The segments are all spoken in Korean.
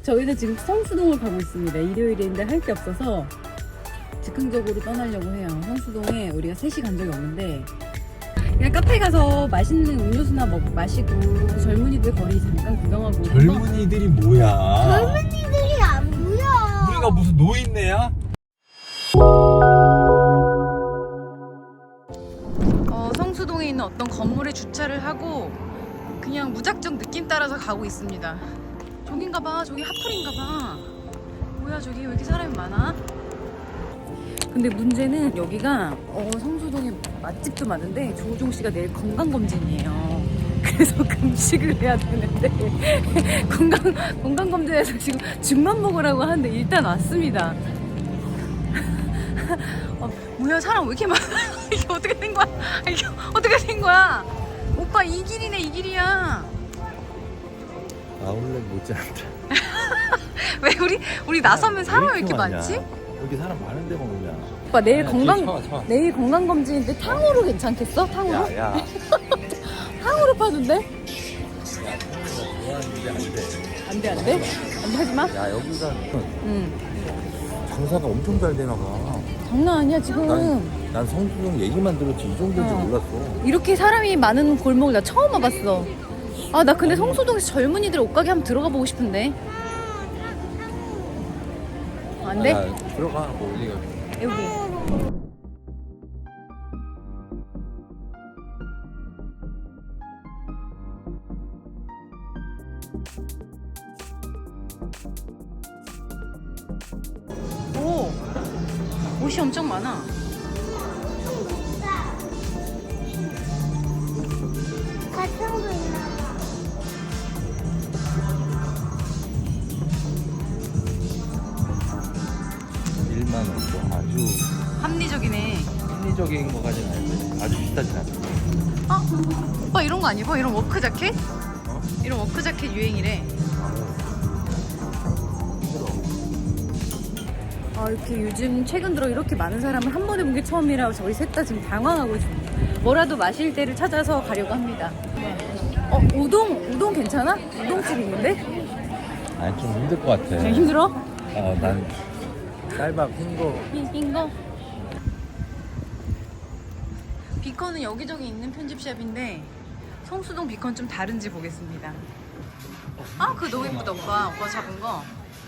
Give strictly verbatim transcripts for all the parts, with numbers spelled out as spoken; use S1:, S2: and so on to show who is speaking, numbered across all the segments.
S1: 저희는 지금 성수동을 가고 있습니다. 일요일인데 할 게 없어서 즉흥적으로 떠나려고 해요. 성수동에 우리가 셋이 간 적이 없는데 그냥 카페 가서 맛있는 음료수나 먹, 마시고 그 젊은이들 거리 잠깐 구경하고.
S2: 젊은이들이 뭐야?
S3: 젊은이들이 안 보여.
S2: 우리가 무슨 노인네야?
S1: 어, 성수동에 있는 어떤 건물에 주차를 하고 그냥 무작정 느낌 따라서 가고 있습니다. 저긴가봐. 저기 핫플인가봐. 뭐야 저기 왜 이렇게 사람이 많아? 근데 문제는 여기가 어, 성수동에 맛집도 많은데 조우종 씨가 내일 건강검진이에요. 그래서 금식을 해야 되는데 건강, 건강검진에서 지금 죽만 먹으라고 하는데 일단 왔습니다. 어, 뭐야 사람 왜 이렇게 많아? 이게 어떻게 된 거야? 이게 어떻게 된 거야? 오빠 이 길이네 이 길이야.
S2: 아울렛 못지않다.
S1: 왜 우리 우리 나서면 사람이 왜 이렇게
S2: 많냐?
S1: 많지?
S2: 여기 사람 많은데 먹냐?
S1: 오빠 내일
S2: 아니야,
S1: 건강
S2: 뒤에 쳐와, 쳐와.
S1: 내일 건강 검진인데 탕후루 괜찮겠어? 탕후루?
S2: 야, 야.
S1: 탕후루 파는데?
S2: 야, 좋아하는데 안 돼.
S1: 안돼 안돼 안돼 하지 마.
S2: 야, 여기가
S1: 응.
S2: 장사가 엄청 잘 되나 봐.
S1: 장난 아니야 지금.
S2: 난, 난 성수동 얘기만 들었지 이 정도인 줄
S1: 어.
S2: 몰랐어.
S1: 이렇게 사람이 많은 골목을 나 처음 와봤어. 아 나 근데 성수동에서 젊은이들 옷가게 한번 들어가 보고 싶은데. 안 돼?
S2: 야, 들어가. 뭐 어디가.
S1: 여기. 오, 옷이 엄청 많아.
S3: 가평도 있나 봐.
S2: 일만 원도 아주
S1: 합리적이네.
S2: 합리적인 거까지는 아닌데 아주 비싸진 않아.
S1: 아, 오빠 이런 거 안 입어? 이런 워크 자켓?
S2: 어?
S1: 이런 워크 자켓 유행이래.
S2: 힘들어.
S1: 아, 이렇게 요즘 최근 들어 이렇게 많은 사람을 한 번에 본 게 처음이라 저희 셋 다 지금 당황하고 있습니다. 뭐라도 마실 때를 찾아서 가려고 합니다. 어, 우동, 우동 괜찮아? 우동집 있는데?
S2: 아니 좀 힘들 것 같아.
S1: 좀 힘들어?
S2: 어, 난 쌀밥 흰거
S1: 흰, 흰 거? 비컨은 여기저기 있는 편집샵인데 성수동 비컨 좀 다른지 보겠습니다. 아, 그거 너무 예쁘다 오빠. 오빠 잡은 거.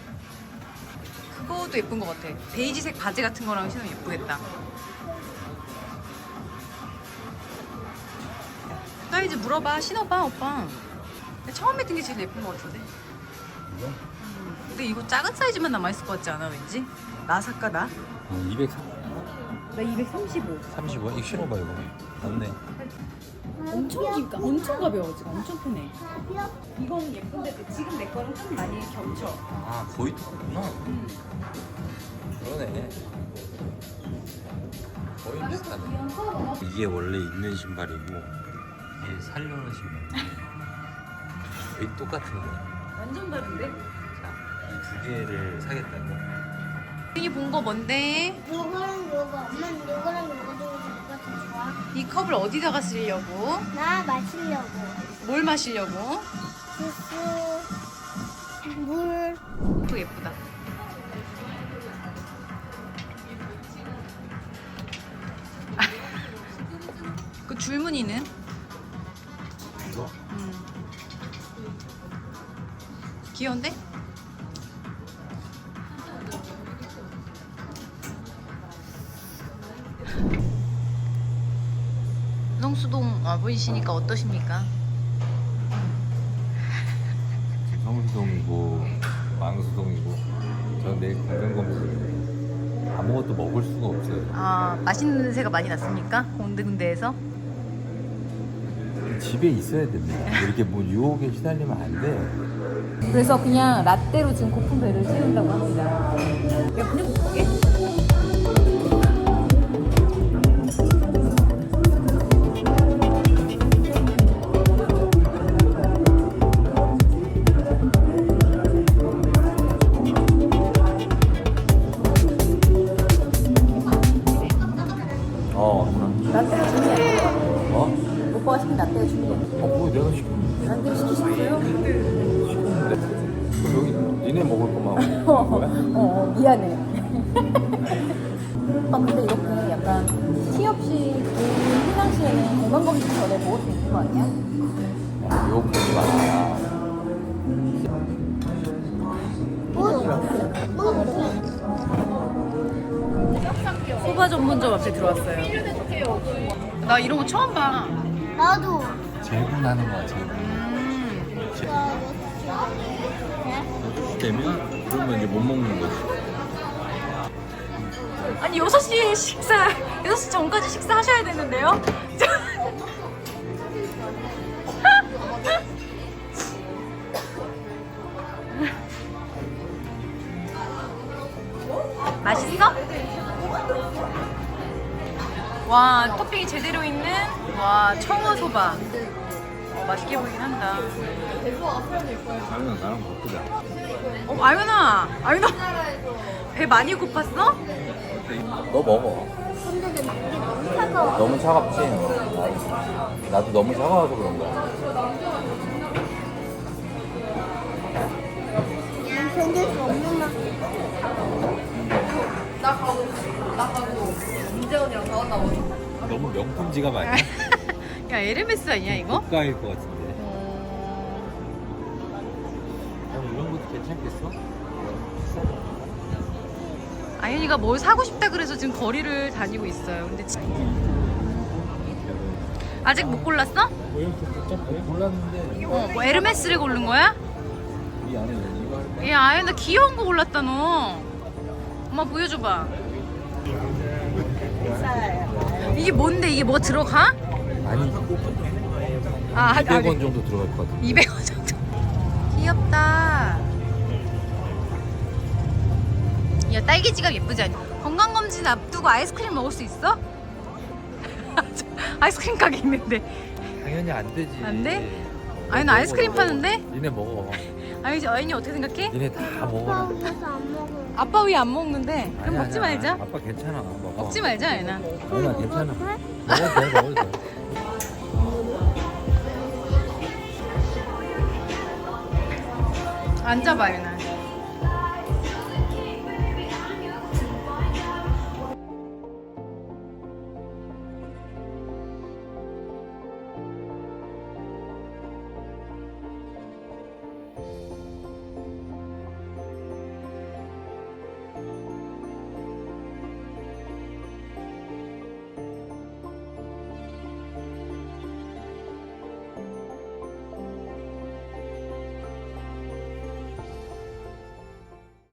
S1: 그것도 예쁜 것 같아. 베이지색 바지 같은 거랑 신으면 예쁘겠다. 사이즈 물어봐. 신어봐 오빠. 처음에 든 게 제일 예쁜 것 같은데. 음, 근데 이거 작은 사이즈만 남아있을 것 같지 않아 왠지? 나 살까 나?
S2: 이백삼십오.
S1: 나 이백삼십오.
S2: 이거 신어봐 이거. 맞네.
S1: 엄청 기니까 엄청 가벼워 지금. 엄청 편해. 이건 예쁜데 지금 내 거랑 좀 많이 겹쳐.
S2: 아 거의 똑같구나.
S1: 음.
S2: 그러네. 거의 비슷하네. 이게 원래 있는 신발이고 이게 살려는 신발. 거의 똑같은 거야.
S1: 완전 다른데?
S2: 자, 이 두 개를 사겠다고.
S1: 이 본 거 뭔데?
S3: 요거랑 요거. 엄마는 요거랑 요거 중에서 누가 더 좋아?
S1: 이 컵을 어디다가 쓰려고?
S3: 나 마시려고.
S1: 뭘 마시려고?
S3: 주스, 물.
S1: 그거 예쁘다. 그 줄무늬는?
S2: 이거?
S1: 음. 귀여운데? 성수동 와보시니까 어떠십니까?
S2: 성수동이고 왕수동이고 전 내일 건강검진 아무것도 먹을 수가 없어요.
S1: 아, 맛있는 냄새가 많이 났습니까? 군데군데에서?
S2: 집에 있어야 됩니다. 이렇게 뭐 유혹에 시달리면 안 돼.
S1: 그래서 그냥 라떼로 지금 고픈 배를 채운다고 합니다. 야, 그냥 볼게.
S2: 어.
S1: 라떼가 중요해.
S2: 어?
S1: 오빠가 시킨 라떼가 중요해.
S2: 어, 뭐 내가 시켰는데.
S1: 라떼 시키셨어요?
S2: 시켰는데. 그럼 여기 니네 아이스크림 먹을 거만 먹는 거야?
S1: 어, 어 미안해. 아 근데 이렇게 약간 티 없이 그 평상시에는 건강검진 전에 먹을 수 있는 거 아니야?
S2: 미역국이 많아.
S1: 소바 전문점 앞에 들어왔어요. 나 이런 거 처음 봐.
S3: 나도.
S2: 재분하는 거야, 재분.
S1: 음.
S2: 되면 그러면 이제 못 먹는 거지.
S1: 아니 여섯 시에 식사 여섯 시 전까지 식사하셔야 되는데요? 맛있어? 와 토핑이 제대로 있는 와 청어소바. 어, 맛있게 보이긴 한다.
S2: 아유나 나랑 바꾸자.
S1: 어 아윤아 아윤아 배 많이 고팠어?
S2: 너 먹어.
S3: 근데 내 너무 차가워.
S2: 너무 차갑지? 알았어. 나도 너무 차가워서 그런 거야.
S3: 견딜 수 없는 맛.
S2: 너무 명품 지갑 아니야?
S1: 야 에르메스 아니야 이거?
S2: 고가일 것 같은데.
S1: 어...
S2: 어, 이런 것도 괜찮겠어?
S1: 아윤이가 뭘 사고 싶다 그래서 지금 거리를 다니고 있어요. 근데 지- 아직 못 골랐어?
S2: 뭐 이렇게 복잡해? 몰랐는데
S1: 어, 뭐 에르메스를 고른 거야?
S2: 이 안에 이거 할까?
S1: 야 아윤아 귀여운 거 골랐다 너. 엄마 보여줘봐. 이게 뭔데 이게 뭐 들어가?
S2: 아니
S1: 아,
S2: 이백 원 정도 들어갈 것 같아.
S1: 이백 원 정도. 귀엽다. 야 딸기 지갑 예쁘지 않니? 건강검진 앞두고 아이스크림 먹을 수 있어? 아이스크림 가게 있는데.
S2: 당연히 안 되지.
S1: 안 돼? 아윤아 아이스크림 파는데?
S2: 니네 먹어.
S1: 아윤이 아윤이 어떻게 생각해?
S2: 니네 다 먹어라.
S3: 그래서 안 먹어.
S1: 아빠 왜 안 먹는데? 그럼
S2: 아니야,
S1: 먹지
S2: 아니야.
S1: 말자.
S2: 아빠 괜찮아. 먹어.
S1: 먹지 말자 아윤아.
S2: 아니야 괜찮아. 먹어도 돼 먹어도 돼.
S1: 앉아봐 아윤아.